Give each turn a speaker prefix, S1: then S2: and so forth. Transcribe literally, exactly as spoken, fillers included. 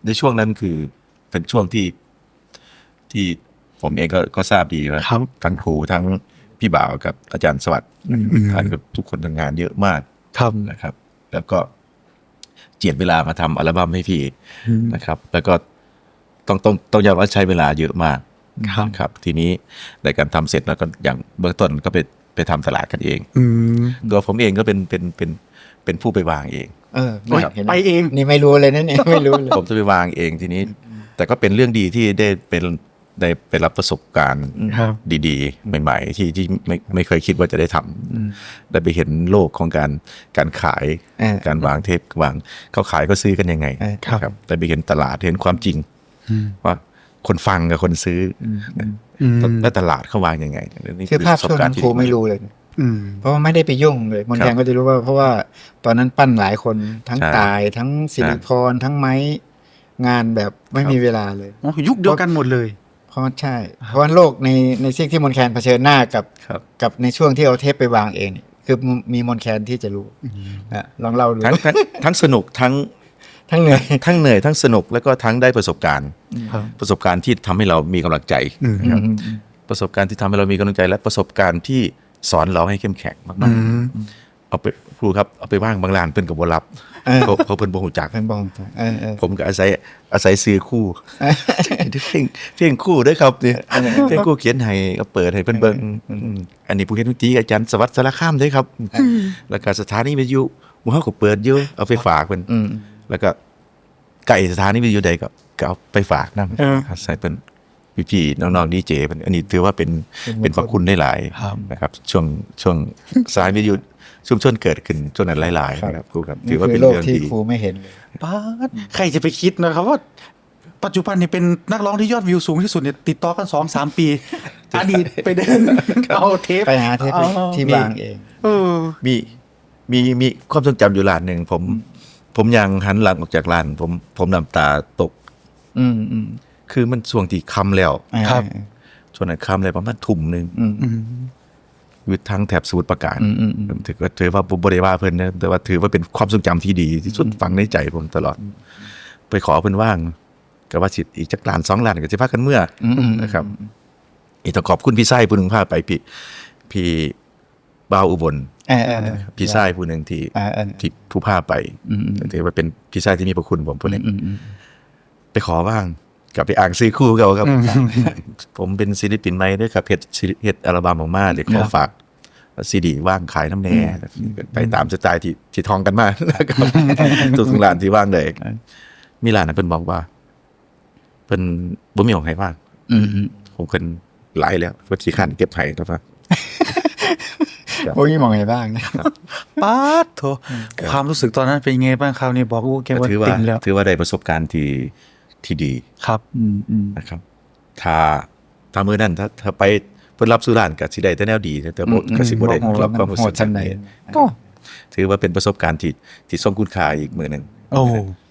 S1: ในช่วงนั้นคือเป็นช่วงที่ที่ผมเองก็ก็ทราบดีว่าทั้งครูทั้งพี่บ่าวกับอาจารย์สวัสดิ์ท่านกับทุกคนทำงานเยอะมากนะครับแล้วก็เจียดเวลามาทำอัลบั้มให้พี่นะครับแล้วก็ต้องต้องต้องยอมว่าใช้เวลาเยอะมากครับทีนี้ในการทำเสร็จแล้วก็อย่างเบื้องต้นก็ไปไปทำตลาดกันเองตัวผมเองก็เป็นเป็นเป็นเป็นผู้ไปวางเอง
S2: เออ
S3: ไปเอง
S2: นี่ไม่รู้เลยนะเนี่ยไม่รู้เลย
S1: ผมจะไปวางเองทีนี้แต่ก็เป็นเรื่องดีที่ได้เป็นได้ไปรับประสบการณ์ดีๆใหม่ๆที่ที่ไม่ไม่เคยคิดว่าจะได้ทำได้ไปเห็นโลกของการการขายการวางเทปวางเขาขายก็ซื้อกันยังไงครับได้ไปเห็นตลาดเห็นความจริงว่าคนฟังกับคนซื้อและตลาดเขาวางยังไง
S2: คือภาพช่วงนั้นครูไม่รู้เลยเพราะว่าไม่ได้ไปยุ่งเลยมนแคนก็จะรู้ว่าเพราะว่าตอนนั้นปั้นหลายคนทั้งตายทั้งสิริพรทั้งไม้งานแบบไม่มีเวลาเลย
S3: ยุคเดียวกันหมดเลย
S2: เพราะใช่เพราะว่าโลกในในสิ่งที่มนแคนเผชิญหน้ากับกับในช่วงที่เอาเทปไปวางเองคือมีมนแคนที่จะรู้นะลองเล่าดู
S1: ทั้งทั้งสนุกทั้ง
S2: ทั้งเหนื่อย
S1: ทั้งเหนื่อยทั้งสนุกแล้วก็ทั้งได้ประสบการณ์ประสบการณ์ที่ทำให้เรามีกำลังใจประสบการณ์ที่ทำให้เรามีกำลังใจและประสบการณ์ที่สอนเราให้เข้มแข็งมากๆเอาไปครูครับเอาไปว่างบางลานเป็นกับบรับเขาเขาเป็นบ่หูจัก
S2: เป็นบ่หูจัก
S1: ผมก็อาศัยอาศัยซื้อคู่เพลงเพลงคู่ด้วยครับเนี่ยเพลงคู่เขียนให้ก็เปิดให้เพิ่นเบิ่งอันนี้ผู้เขียนดนตรีอาจารย์สวัสดิ์สารคามด้วยครับแล้วก็สถานีวิทยุหมู่เฮาก็เปิดอยู่เอาไปฝากเพิ่นแล้วก็ไก่สถานีวิทยุใดก็ก็เอาไปฝากนำใส่เป็นพี่ๆน้องๆดีเจเป็นอันนี้ถือว่าเป็นเป็นพระคุณได้หลายนะครับช่วงช่วงสายวิทยุชุมชนเกิดขึ้นช่วงนั้นหลายๆครับครูครับ
S2: ถือว่าเป็นเรื่องที่ครูไม่เห็นเลย
S3: ป้าใครจะไปคิดนะครับว่าปัจจุบันนี่เป็นนักร้องที่ยอดวิวสูงที่สุดเนี่ยติดต่อกัน สองถึงสาม ปีอดีตไปเดินเอาเทป
S2: ไปหาเทปที่วางเอง
S3: เออ
S1: มีมีมีความทรงจำอยู่ร้านนึงผมผมยังหันหลังออกจากร้านผมผมน้ำตาตก
S2: อืมอืม
S1: คือมันช่วงที่ค่ำแล้ว
S2: ครับ
S1: ช่วงนั้นค่ำเลยประมาณทุ่มนึงวิทย์ทั้งแถบสมุทรปราการถือว่าถือว่าผมบริวารเพิ่นนะแต่ว่าถือว่าเป็นความทรงจำที่ดีที่สุดฝังในใจผมตลอดไปขอเพิ่นว่างกับว่าสิอีกจักล้านสองล้านก็สิพากันเมื่อนะครับอีกต้องขอบคุณพี่ไส้ผู้นึงพาไปพี่พี่บ่าวอุบลพี่ไส้ผู้นึงที่ที่ผู้พาไปถือว่าเป็นพี่ไส้ที่มีพระคุณผมผู้นึงไปขอว่างกลับไปอ่างซื้อคู่เขาครับผมเป็นศิลปินใหม่ด้วยครับเฮ็ดเฮ็ดอัลบั้มออกมาเดี๋ยวขอฝากซีดีว่างขายน้ำแน่ไปตามสไตล์ที่ที่ทองกันมาแล้วก็ทุกร้านที่ว่างเลยมีร้านนั้นเพิ่นบอกว่าเพิ่นบ่มีของให้ว่างผมเพิ่นหลายแล้วว่าสิคันเก็บให้ครับว่า
S2: บ่มีของให้บ้างนะครับ
S3: ป๊าดโธความรู้สึกตอนนั้นเป็นไงบ้างคราวนี้บอกกูแกว่าติงแล้ว
S1: ถือว่าได้ประสบการณ์ที่ที่ดี
S3: ครับ
S1: นะครับถ้าถ้ามื้อนั้นถ้าถ้าไปเพิ่นรับสุรานก็สิได้แต่แนวดีแต่บ่ก็สิบ่ได้รับความรู้สึก
S2: จังได๋
S1: ก็ถือว่าเป็นประสบการณ์ที่ที่ทรงคุณค่าอีกมื้อนึง
S3: โอ้